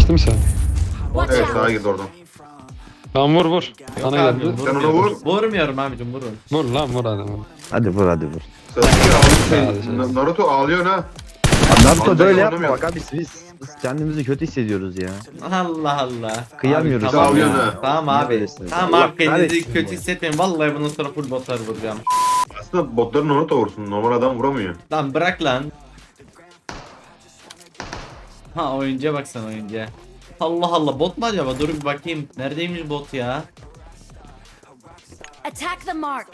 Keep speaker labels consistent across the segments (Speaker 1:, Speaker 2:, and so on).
Speaker 1: Geçti mi sen?
Speaker 2: Watch
Speaker 3: Evet
Speaker 2: out!
Speaker 3: sağa girdi oradan.
Speaker 1: Tamam vur.
Speaker 4: Yok
Speaker 1: Sana
Speaker 4: abi,
Speaker 1: geldi.
Speaker 3: Sen ona vur.
Speaker 4: Vurmuyorum abicim, vurun.
Speaker 1: Vur lan vur hadi. Vur.
Speaker 5: Hadi vur hadi vur.
Speaker 3: Sasuke
Speaker 1: Sadece.
Speaker 3: Naruto ağlıyor ha.
Speaker 5: Naruto
Speaker 3: Vallahi
Speaker 5: böyle yapma
Speaker 3: oynamıyor.
Speaker 5: bak abi biz kendimizi kötü hissediyoruz ya.
Speaker 4: Allah Allah.
Speaker 5: Kıyamıyoruz.
Speaker 4: Abi, tamam
Speaker 3: Sağ ol
Speaker 4: ya.
Speaker 3: yana.
Speaker 4: Tamam abi.
Speaker 5: Neredesin?
Speaker 4: Tamam
Speaker 5: Allah
Speaker 4: abi, kendinizi
Speaker 5: kahretsin
Speaker 4: kötü
Speaker 5: bu.
Speaker 4: hissetmeyin. Vallahi bundan sonra full botlar vuracağım.
Speaker 3: Aslında botların Naruto vursun. Normal adam vuramıyor.
Speaker 4: Lan bırak lan. Ha, oyuncuya bak sen, oyuncuya. Allah Allah, bot mu acaba? Dur bir bakayım. Neredeymiş bot ya?
Speaker 2: Attack the mark!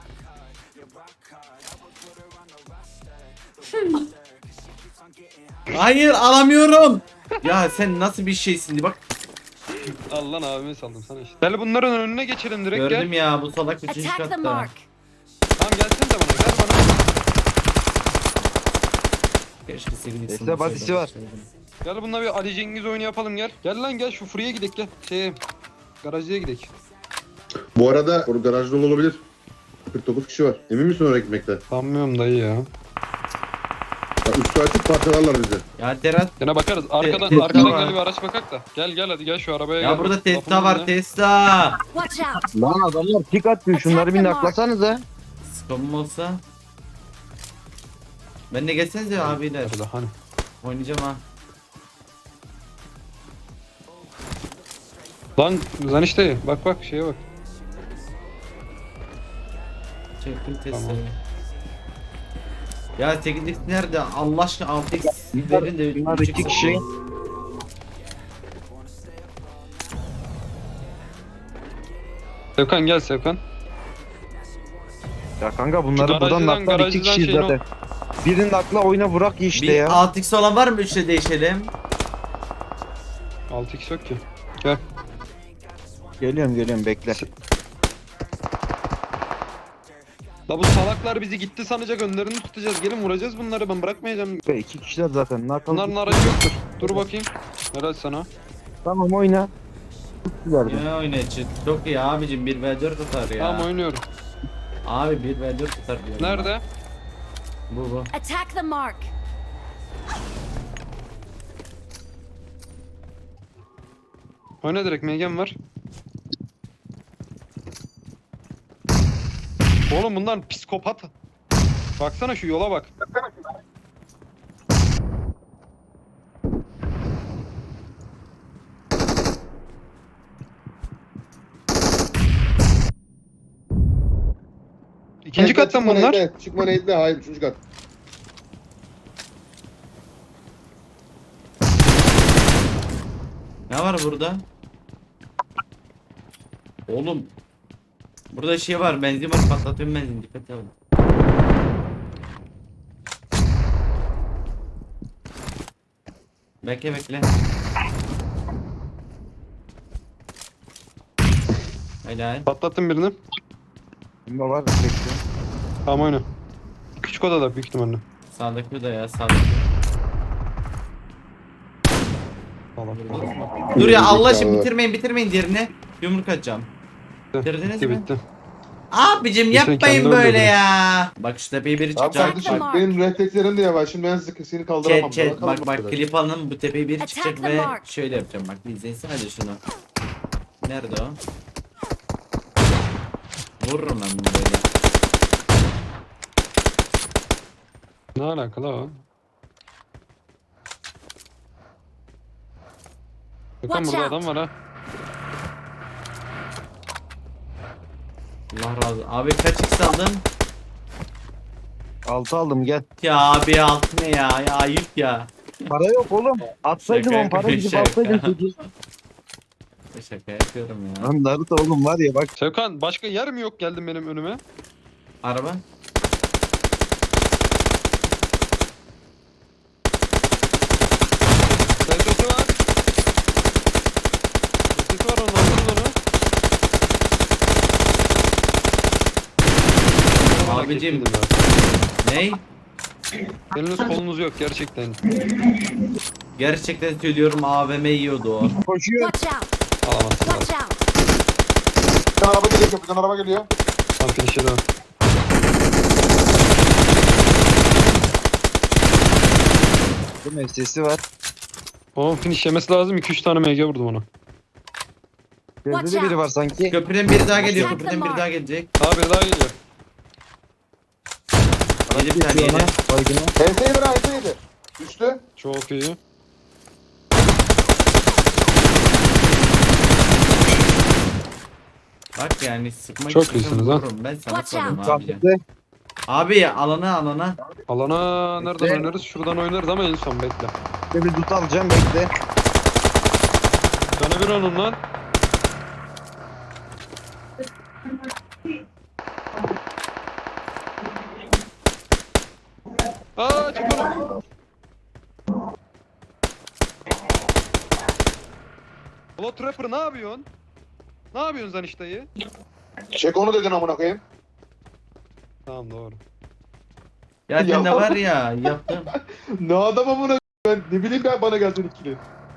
Speaker 4: Hayır, alamıyorum. Ya sen nasıl bir şeysin bak.
Speaker 1: Al lan abime saldım sana işte. Gel bunların önüne geçelim direkt
Speaker 4: Gördüm
Speaker 1: gel.
Speaker 4: ya, bu salak 3.
Speaker 2: Attack the
Speaker 4: katta.
Speaker 2: mark!
Speaker 1: Tamam gelsene de bana gel bana.
Speaker 4: Keşke sevgilisi.
Speaker 5: Neyse, badisi var.
Speaker 1: Gel bununla bir Ali Cengiz oyunu yapalım gel. Gel lan gel şu Fury'e gidek gel. Garajcıya gidek.
Speaker 3: Bu arada garaj dolu olabilir. 49 kişi var. Emin misin oraya gitmekte?
Speaker 1: Sanmıyorum dayı ya.
Speaker 3: Üstü açık parçalarlar bizi.
Speaker 4: Ya Terat.
Speaker 1: Gene bakarız. Arkadan
Speaker 4: Tesla
Speaker 1: arkadan
Speaker 4: var.
Speaker 1: gel bir araç bakak da. Gel gel hadi gel şu arabaya gel.
Speaker 4: Ya burada Tesla
Speaker 1: Lafımın
Speaker 4: var,
Speaker 1: önüne.
Speaker 4: Tesla.
Speaker 2: Watch out!
Speaker 5: Lan adamlar pik atıyor, şunları bir naklasanıza.
Speaker 4: Skomum olsa. Ben de gelsenize abiler.
Speaker 1: Nerede hani?
Speaker 4: Oynayacağım ha.
Speaker 1: Lan işte bak bak şeye bak.
Speaker 4: Çektim Tesla'yı.
Speaker 1: Tamam.
Speaker 4: Ya 8x nerede? Allah aşkına 6x verin de
Speaker 5: bunlar
Speaker 4: 3x
Speaker 5: iki kişi.
Speaker 1: Sevkan gel Sevkan.
Speaker 5: Ya kanka bunları
Speaker 1: Şu
Speaker 5: buradan
Speaker 1: garajdan-
Speaker 5: naklar, iki
Speaker 1: garajdan
Speaker 5: kişi
Speaker 1: şeyin
Speaker 5: zaten. Birinin akla oyna vurak işte
Speaker 4: Bir
Speaker 5: ya.
Speaker 4: 6x olan var mı? 3'le değişelim.
Speaker 1: 6x yok ki. Gel.
Speaker 5: Geliyorum bekle.
Speaker 1: La bu salaklar bizi gitti sanacak, önlerini tutacağız. Gelin vuracağız bunları, ben bırakmayacağım.
Speaker 5: İki kişiler zaten naklalı.
Speaker 1: Bunların aracı yoktur. Dur bakayım. Helal sana.
Speaker 5: Tamam oyna. Tuttular da.
Speaker 4: Ya oynayacak. Çok iyi abicim, 1v4 tutar ya.
Speaker 1: Tamam oynuyorum.
Speaker 4: Abi 1v4 tutar diyorum.
Speaker 1: Nerede?
Speaker 4: Bu.
Speaker 2: Attack the mark!
Speaker 1: Oyna direkt, Megan var. Oğlum bunlar psikopat. Baksana şu yola bak. İkinci kattan bunlar.
Speaker 3: Çıkma neydi? Hayır 3. kat.
Speaker 4: Ne var burada? Oğlum. Burada şey var, benzin var, patlatıyorum benzin, dikkat edin. Bekle bekle. Helal.
Speaker 1: Patlattım birini.
Speaker 5: Bunda var bekle.
Speaker 1: Tamam oyna. Küçük odada büyük ihtimalle.
Speaker 4: Sağdaki da ya, sağdaki.
Speaker 1: Tamam.
Speaker 4: Dur ya, Allah aşkına bitirmeyin diğerini. Yumruk atacağım. Bitirdiniz
Speaker 1: Bitti
Speaker 4: mi?
Speaker 1: bitti.
Speaker 4: Abicim
Speaker 1: Sen
Speaker 4: yapmayın
Speaker 1: kendini
Speaker 4: böyle
Speaker 1: öldürdün.
Speaker 4: ya. Bak şu tepeyi biri
Speaker 3: Abi
Speaker 4: çıkacak.
Speaker 3: kardeşim
Speaker 2: Bak.
Speaker 3: benim reflekslerim de yavaş. Şimdi ben seni kaldıramam.
Speaker 4: Chat
Speaker 3: Bana
Speaker 4: bak
Speaker 3: kalma.
Speaker 4: klip alın, bu tepeyi biri
Speaker 2: Attack
Speaker 4: çıkacak
Speaker 2: the
Speaker 4: ve
Speaker 2: mark.
Speaker 4: şöyle yapacağım, bak bir izleyin hadi şunu. Nerede o? Vururum ben bunu böyle.
Speaker 1: Ne alakalı o? Bakın
Speaker 2: Watch
Speaker 1: burada
Speaker 2: out.
Speaker 1: adam var ha.
Speaker 4: Allah razı olsun. Abi kaç x aldın?
Speaker 5: 6 aldım gel.
Speaker 4: Ya abi altı ne ya? Ya ayıp ya.
Speaker 5: Para yok oğlum. Atsaydım
Speaker 4: Şaka
Speaker 5: on para gidip
Speaker 4: şaka.
Speaker 5: alsaydım çocuğu.
Speaker 4: Şaka yapıyorum ya.
Speaker 5: Lan Naruto oğlum var ya bak.
Speaker 1: Sevkan başka yer mi yok, geldin benim önüme?
Speaker 4: Araba.
Speaker 1: SS'i var. SS'i var, onu aldınız onu.
Speaker 4: Abicim.
Speaker 1: Merak ettim ya.
Speaker 4: Ney?
Speaker 1: Eliniz kolunuz yok gerçekten.
Speaker 4: Gerçekten söylüyorum, AVM yiyordu o.
Speaker 5: Koşuyor.
Speaker 2: Watch out!
Speaker 1: Alamazsın
Speaker 2: Watch
Speaker 1: abi.
Speaker 2: out!
Speaker 3: Bir tane araba geliyor. Köprüden araba geliyor.
Speaker 1: Tam finish'e devam.
Speaker 5: Bu sesi var.
Speaker 1: Oğlum finish yemesi lazım. 2-3 tane MG vurdum ona.
Speaker 5: Gözde de biri var sanki.
Speaker 4: Köprüden biri daha geliyor.
Speaker 2: Attack the
Speaker 4: Köprüden biri
Speaker 2: mark.
Speaker 4: daha gelecek.
Speaker 1: Daha biri daha geliyor.
Speaker 4: Yedi bir tane
Speaker 5: Geçiyor
Speaker 4: yedi.
Speaker 5: ona, baygına.
Speaker 3: HS7 lan HS7. Düştü.
Speaker 1: Çok iyi.
Speaker 4: Bak yani sıkmak
Speaker 1: Çok
Speaker 4: istiyorsan
Speaker 1: iyisiniz ha.
Speaker 4: vururum. Ben sana
Speaker 2: Watch
Speaker 4: sorayım
Speaker 2: out.
Speaker 4: abi.
Speaker 5: Sattı.
Speaker 4: Abi alana.
Speaker 1: Alana nereden
Speaker 5: Bekle.
Speaker 1: oynarız? Şuradan oynarız ama en son bekle.
Speaker 5: Bir tut alacağım bekle.
Speaker 1: Canı bir onun lan. Aa çık oğlum. Ulan Trapper ne yapıyorsun? Ne yapıyorsun sen işte dayı?
Speaker 3: Çek onu dedin amına koyayım.
Speaker 1: Tamam doğru.
Speaker 4: Ya sen de var ya yaptım.
Speaker 3: Ne adam amına ben ne bileyim ben bana geldin ikili.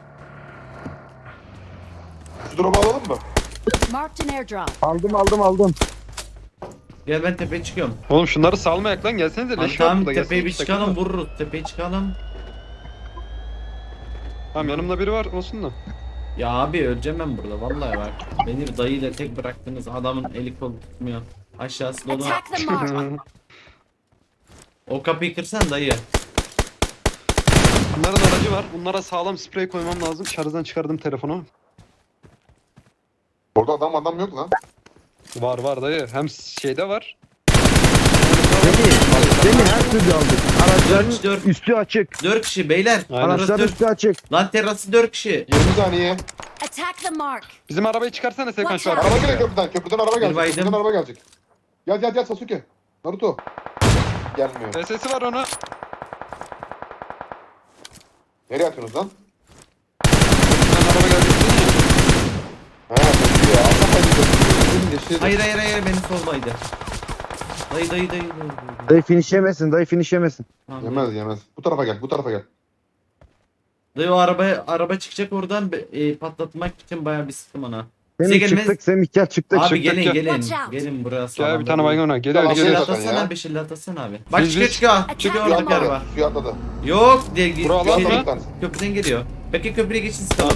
Speaker 3: Şu drop'u alalım mı?
Speaker 2: Marked an airdrop.
Speaker 5: Aldım.
Speaker 4: Gel ben tepeye çıkıyorum.
Speaker 1: Oğlum şunları salmayak lan gelsenize
Speaker 4: Lan
Speaker 1: leş var
Speaker 4: tamam
Speaker 1: burada
Speaker 4: tepeye bir
Speaker 1: gelsenize,
Speaker 4: çıkalım
Speaker 1: takılma.
Speaker 4: vururuz. Tepeye çıkalım.
Speaker 1: Tamam yanımda biri var olsun da.
Speaker 4: Ya abi öleceğim ben burada vallahi bak. Beni dayıyla tek bıraktınız. Adamın eli kolu tutmuyor. Aşağısı dolu.
Speaker 2: Attack the mark.
Speaker 4: O kapıyı kırsan dayı.
Speaker 1: Bunların aracı var. Bunlara sağlam sprey koymam lazım. Şarjdan çıkardım telefonu.
Speaker 3: Orada adam yok lan.
Speaker 1: Var dayı. Hem şeyde var.
Speaker 5: Seni her türlü aldık. Araçların
Speaker 4: Dört.
Speaker 5: üstü açık.
Speaker 4: 4 kişi beyler.
Speaker 1: Aynen.
Speaker 4: Terası
Speaker 5: Araçların üstü açık.
Speaker 4: Lan terası 4 kişi.
Speaker 3: 20 saniye.
Speaker 2: Attack the mark.
Speaker 1: Bizim arabayı çıkarsana Serkan şu
Speaker 2: Watch
Speaker 1: araba.
Speaker 3: Araba geliyor köprüden. Köprüden araba gelecek.
Speaker 4: baydım.
Speaker 3: Köprüden araba gelecek. Gel Sasuke. Naruto. Gelmiyor.
Speaker 1: SS'i var ona.
Speaker 3: Nereye atıyorsunuz lan?
Speaker 1: Sen araba gelecek değil mi?
Speaker 3: He köprü ya. Allah hayırlı.
Speaker 4: Hayır beni soldaydı. Dayı.
Speaker 5: Dayı finish yemesin.
Speaker 4: Tamam,
Speaker 3: Yemez. Bu tarafa gel.
Speaker 4: Dayı o araba çıkacak oradan patlatmak için bayağı bir sıktım ona. Size
Speaker 5: Semih
Speaker 4: gelmez.
Speaker 5: çıktık Semih gel çıktık.
Speaker 4: Abi
Speaker 5: çıktık.
Speaker 4: gelin
Speaker 1: gel.
Speaker 4: gelin.
Speaker 2: Watch out.
Speaker 4: Gelin buraya
Speaker 1: Gel
Speaker 4: sağlam.
Speaker 1: bir tane baygın ona. Geliyor
Speaker 3: Tamam,
Speaker 1: geliyor.
Speaker 3: gel.
Speaker 4: Beşil
Speaker 3: Zaten ya.
Speaker 4: atasana beşil atasana abi. Bak
Speaker 1: Biz-
Speaker 4: çıkıyor.
Speaker 2: Attack
Speaker 4: Çıkıyor
Speaker 2: the
Speaker 4: oradaki
Speaker 2: mark.
Speaker 4: araba.
Speaker 3: Suya atladı.
Speaker 4: Yok
Speaker 1: Bura alan
Speaker 4: şey,
Speaker 1: mı?
Speaker 4: köprüden geliyor. Peki köprüye geçin sıkalım.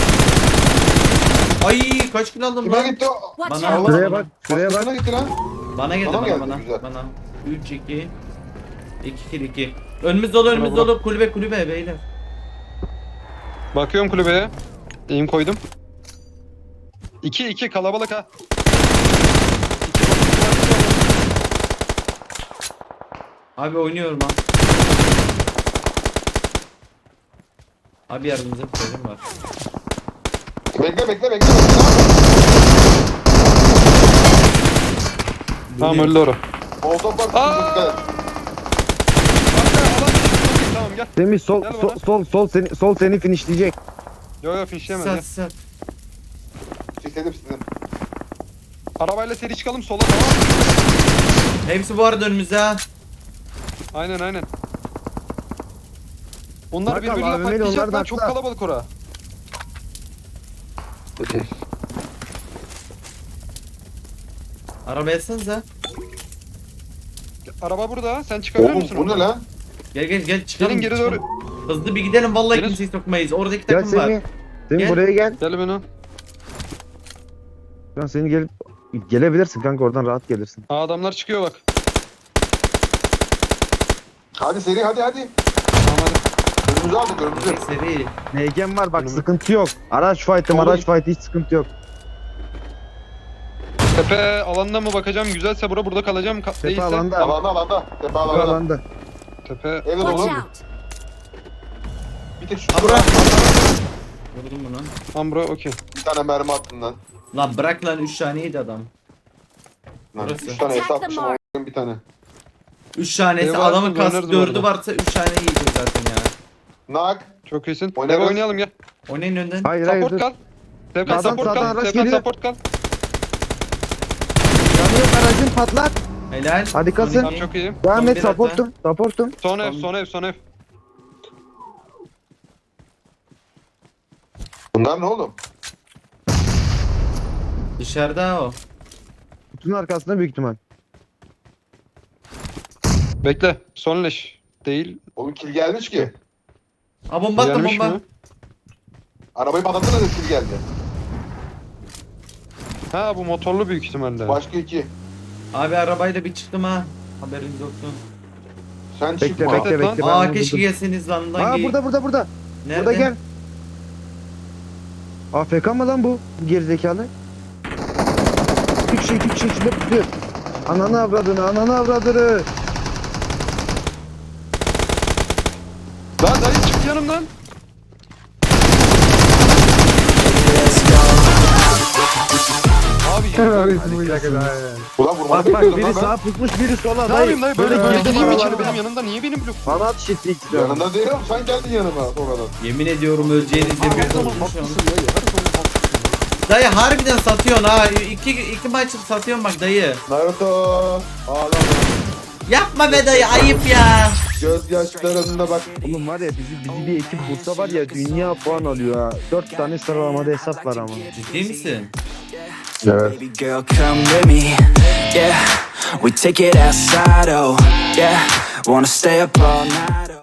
Speaker 4: Ay kaç kilo aldım
Speaker 3: Kime
Speaker 4: lan?
Speaker 3: gitti o?
Speaker 2: Watch
Speaker 4: Bana-
Speaker 2: out.
Speaker 5: Şuraya bak. Şuraya bak.
Speaker 3: Başkasına gitti lan.
Speaker 4: Bana geldi
Speaker 3: Bana mı
Speaker 4: bana.
Speaker 3: geldi? Güzel.
Speaker 4: Bana. 3 2 2 kill 2. Önümüz dolu kulübe beyler.
Speaker 1: Bakıyorum kulübeye. Eğim koydum. 2 kalabalık ha.
Speaker 4: Abi oynuyorum ha. Abi yardımcı bir çocuğum var.
Speaker 3: Bekle.
Speaker 1: Tamam öldü ora.
Speaker 3: Molotov var.
Speaker 1: Aa!
Speaker 3: Dikkat et.
Speaker 1: Tamam gel.
Speaker 5: Semih sol
Speaker 1: Gel
Speaker 5: sol seni finishleyecek.
Speaker 1: Yo finişleyemez ya.
Speaker 4: Sat.
Speaker 3: Sikledim.
Speaker 1: Arabayla seri çıkalım sola tamam.
Speaker 4: Hepsi bu arada önümüzde ha.
Speaker 1: Aynen. Onlar
Speaker 5: Bakalım,
Speaker 1: birbirine
Speaker 5: AVM'li
Speaker 1: patlayacak
Speaker 5: onlar da
Speaker 1: lan çok
Speaker 5: atlar.
Speaker 1: kalabalık ora.
Speaker 4: Arabaya atsanıza.
Speaker 1: Araba burada sen çıkabilir
Speaker 3: Oğlum
Speaker 1: misin?
Speaker 3: bu ne
Speaker 1: oradan?
Speaker 3: lan?
Speaker 4: Gel çıkalım.
Speaker 1: Gelin geri doğru.
Speaker 4: Hızlı bir gidelim vallahi
Speaker 1: Gelin.
Speaker 4: kimseyi sokmayız. Oradaki
Speaker 5: Gel
Speaker 4: takım var.
Speaker 5: Semih. Semih
Speaker 4: Gel.
Speaker 5: buraya gel.
Speaker 1: Gel beni.
Speaker 5: Şu an seni gelebilirsin kanka oradan rahat gelirsin.
Speaker 1: Aa, adamlar çıkıyor bak.
Speaker 3: Hadi seri hadi.
Speaker 1: Tamam hadi.
Speaker 3: Önümüzü aldık önümüzü.
Speaker 4: Seri.
Speaker 5: NG'm var bak
Speaker 1: Önümü-
Speaker 5: sıkıntı yok. Araç fight hiç sıkıntı yok.
Speaker 1: Tepe alanına mı bakacağım? Güzelse burada kalacağım.
Speaker 5: Tepe
Speaker 1: Değilse
Speaker 5: alanda.
Speaker 3: Alanda. Tepe
Speaker 5: Tepe
Speaker 3: alanda.
Speaker 5: alanda.
Speaker 1: tepe.
Speaker 3: Evde
Speaker 2: Watch
Speaker 3: dolu.
Speaker 2: out.
Speaker 3: Bir tek şu.
Speaker 4: Ha bırak. Vurdum bunu.
Speaker 1: Ambro okey.
Speaker 3: Bir tane mermi attın lan.
Speaker 4: Lan bırak lan 3 taneydi adam.
Speaker 3: Lan
Speaker 4: Burası.
Speaker 3: 3 tane
Speaker 2: Attack the
Speaker 3: hesapmışım
Speaker 2: mark.
Speaker 3: ama bir tane.
Speaker 4: 3 tanesi
Speaker 1: Eyvah,
Speaker 4: adamın
Speaker 1: oynarız
Speaker 4: kask
Speaker 1: bu
Speaker 4: 4'ü
Speaker 1: arada.
Speaker 4: varsa 3 tane yiyecek zaten ya.
Speaker 3: Nak.
Speaker 1: Çok iyisin.
Speaker 3: Oynarız.
Speaker 1: Eve oynayalım gel.
Speaker 4: Oynayın önden.
Speaker 5: Hayır
Speaker 1: Support
Speaker 5: dur.
Speaker 1: kal. Sevkan
Speaker 5: Sağdan,
Speaker 1: support
Speaker 5: sağdan
Speaker 1: kal.
Speaker 5: araç
Speaker 1: Sevkan
Speaker 5: geliyor.
Speaker 1: support kal.
Speaker 5: Yanıyor aracın patlat.
Speaker 4: Helal.
Speaker 5: Harikasın.
Speaker 4: Son
Speaker 1: Tamam
Speaker 4: iki.
Speaker 1: çok iyi.
Speaker 5: Devam
Speaker 4: Son
Speaker 5: et
Speaker 4: bir hata.
Speaker 5: supportum.
Speaker 1: Son ev.
Speaker 3: Bunlar ne oğlum?
Speaker 4: Dışarıda o.
Speaker 5: Kutunun arkasında büyük ihtimal.
Speaker 1: Bekle. Son leş. Değil.
Speaker 3: Oğlum kill gelmiş ki.
Speaker 4: Ha bomba attım
Speaker 1: Gelmiş
Speaker 4: bomba.
Speaker 1: mi?
Speaker 3: Arabayı patlattın da skill geldi.
Speaker 1: Ha bu motorlu büyük ihtimalle.
Speaker 3: Başka iki.
Speaker 4: Abi arabayla bir çıktım ha. Haberiniz olsun.
Speaker 3: Sen
Speaker 5: Bekle
Speaker 3: çıkma.
Speaker 5: bekle
Speaker 1: lan.
Speaker 5: bekle. ben
Speaker 4: Aa
Speaker 5: bunu
Speaker 4: keşke
Speaker 5: buldum.
Speaker 4: gelseniz lan.
Speaker 5: Aa burada.
Speaker 4: Nerede?
Speaker 5: Burada gel. AFK mı lan bu gerizekalı? İki kişi içinde tutuyor. Ananı avradını.
Speaker 1: Lan dayı çık yanımdan. Abi
Speaker 3: Ulan vurmanı
Speaker 5: Bak
Speaker 3: bekliyordum
Speaker 5: biri
Speaker 3: lan ben.
Speaker 5: sağa pusmuş biri sola
Speaker 1: ne
Speaker 5: dayı.
Speaker 1: yapayım dayı böyle
Speaker 5: Böyle
Speaker 1: girdiğim
Speaker 5: girdim
Speaker 1: içeri benim yanımda niye benim blok?
Speaker 5: Bana at şişi istiyorum.
Speaker 3: Yanında değilim, sen geldin yanıma sonradan.
Speaker 4: Yemin ediyorum öleceğinizi
Speaker 1: Her
Speaker 4: biliyordum
Speaker 1: zaman
Speaker 4: şu an.
Speaker 1: haklısın dayı. Her zaman haklısın.
Speaker 4: Dayı harbiden satıyorsun ha. İki maç satıyorsun bak dayı.
Speaker 3: Naruto. Ağlama.
Speaker 4: Yapma be dayı ayıp ya.
Speaker 3: Gözyaşlarında bak.
Speaker 5: Oğlum var ya bizi bir ekip bulsa var ya dünya puan alıyor ha. 4 tane sıralamada hesap var ama.
Speaker 4: Ciddi misin?
Speaker 3: Evet.
Speaker 6: Baby girl, come with me. Yeah, we take it outside. Oh, yeah, wanna stay up all night. Oh.